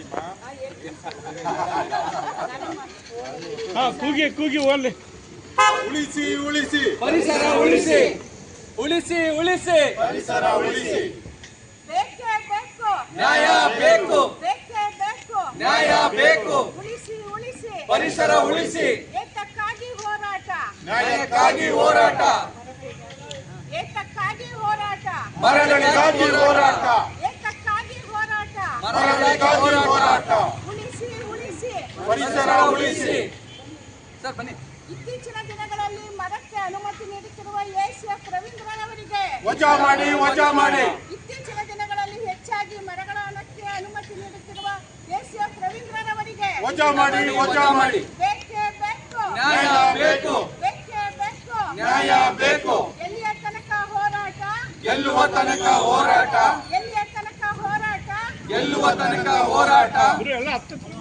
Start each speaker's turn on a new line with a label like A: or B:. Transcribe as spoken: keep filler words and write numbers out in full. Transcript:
A: ಕೂಗಿ ಕೂಗಿ ಓನ್ಲಿ
B: ಉಳಿಸಿ ಉಳಿಸಿ
C: ಪರಿಸರ ಉಳಿಸಿ ಉಳಿಸಿ ಉಳಿಸಿ
B: ಪರಿಸರ ಉಳಿಸಿ.
D: ಬೇಕೇ ಬೇಕು
C: ನ್ಯಾಯ ಬೇಕು
D: ಬೇಕೇ ಬೇಕು
C: ನ್ಯಾಯ ಬೇಕು
D: ಉಳಿಸಿ ಉಳಿಸಿ
C: ಪರಿಸರ ಉಳಿಸಿ
D: ಏತಕ್ಕಾಗಿ ಹೋರಾಟ
C: ನ್ಯಾಯಕ್ಕಾಗಿ ಹೋರಾಟ
D: ಏತಕ್ಕಾಗಿ ಹೋರಾಟ
C: ಮರಗಳಿಗಾಗಿ ಹೋರಾಟ
D: ಏತಕ್ಕಾಗಿ ಹೋರಾಟ
C: ಮರಗಳಿಗಾಗಿ ಹೋರಾಟ
D: ಉಳಿಸಿ ಉಳಿಸಿ
C: ಪರಿಸರ ಉಳಿಸಿ. ಸರ್ ಬನ್ನಿ.
D: ಇತ್ತೀಚಿನ ದಿನಗಳಲ್ಲಿ ಮರಕ್ಕೆ ಅನುಮತಿ ನೀಡುತ್ತಿರುವ ಎಸಿಎಫ್ ರವೀಂದ್ರನವರಿಗೆ
B: ವಜಾ ಮಾಡಿ ವಜಾ ಮಾಡಿ.
D: ಇತ್ತೀಚಿನ ದಿನಗಳಲ್ಲಿ ಹೆಚ್ಚಾಗಿ ಮರಗಳ ಹಣಕ್ಕೆ ಅನುಮತಿ ನೀಡುತ್ತಿರುವ ಎಸಿಎಫ್ ರವೀಂದ್ರನವರಿಗೆ
B: ವಜಾ ಮಾಡಿ ವಜಾ ಮಾಡಿ.
D: ಬೇಕೇ ಬೇಕು
C: ನ್ಯಾಯ ಬೇಕು
D: ಬೇಕೇ ಬೇಕು
C: ನ್ಯಾಯ ಬೇಕು.
D: ಎಲ್ಲಿಯ ತನಕ ಹೋರಾಟ
C: ಗೆಲ್ಲುವ ತನಕ ಹೋರಾಟ
D: ಎಲ್ಲಿಯ ತನಕ ಹೋರಾಟ
C: ಗೆಲ್ಲುವ ತನಕ ಹೋರಾಟ
A: ಎಲ್ಲ ಹತ್ತು